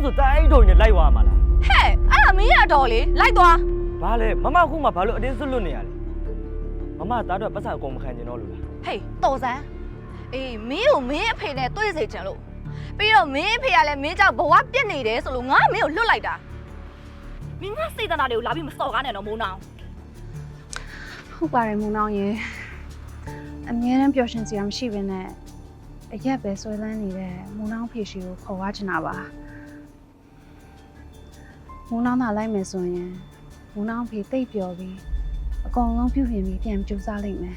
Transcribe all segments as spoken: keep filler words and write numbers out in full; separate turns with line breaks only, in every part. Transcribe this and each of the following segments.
ဆိုတိုင်းထုံနေလိုက်သွားမှာလား
ဟဲ့အဲ့ဒါမင်းရတော့လေလိုက်သွား
ဘာလဲမမခုမှဘာလို့အတင်းစွတ်လွတ်နေရလဲမမသားတော့ပတ်စံအကုန်မခံကျင်တော့လို့လား
ဟေးတော်စမ်းအေးမင်းကိုမင်းအဖေနဲ့တွေ့စေချင်လို့ပြီးတော့မင်းအဖေကလည်းမင်းကြောင့်ဘဝပြစ်နေတယ်ဆိုလို့ငါမင်းကိုလွတ်လိုက်တာမင်းကစေတနာတွေကိုလာပြီးမစော်ကားနဲ့တော့မိုးနောင်
ဟုတ်ပါတယ်မူနောင်ရေအမြဲတမ်းပျော်ရွှင်စရာမရှိဘဲနဲ့အရက်ပဲဆွဲလန်းနေတဲ့မူနောင်ဖေရှိကိုခေါ်ဝါချင်တာပါမူနောင်သာလိုက်မယ်ဆိုရင်မူနောင်ဖေတိတ်ပျော်ပြီးအကောင်လုံးပြုပြင်ပြီးပြန်ကြိုးစားလိမ့်မယ်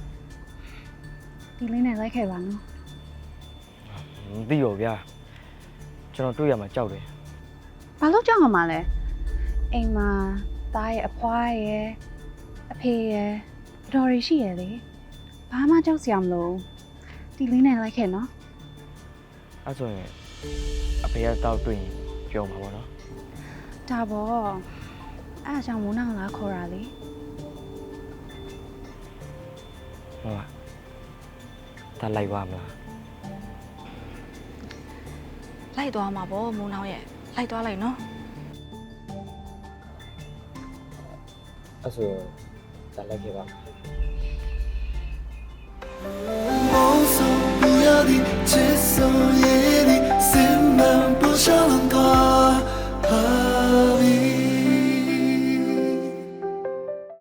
ဒီလေးနဲ့လိုက်ခဲ့ပါနော်
မသိရောဗျာကျွန်တော်တွေ့ရမှာကြောက်တယ်
ဘာလို့ကြောက်ရမှာလဲအိမ်မှာသားရဲ့အဖွားရဲ့အဖေရဲ့အတော်ရရှိရဲ့လေဘာမှကြောက်စရာမလိုဒီလေးနဲ့လိုက်ခဲ့နော်
အဲ့ဆိုရင်အဖေကတော့တွေ့ရင်ပြောမှာပေါ့နော်
ဒါပေါ့အဲ့အကြောင့်မိုးနောင်လာခေါ်တာလေ
ဟုတ်ပါဒါလိုက်ပါမလား
လိုက်သွားမှာပေါ့မိုးနောင်ရဲ့လိုက်သွားလိုက်နော်
အဲ့ဆိုဒါလိုက်ခဲ့ပါ
梦送不要的，接受也。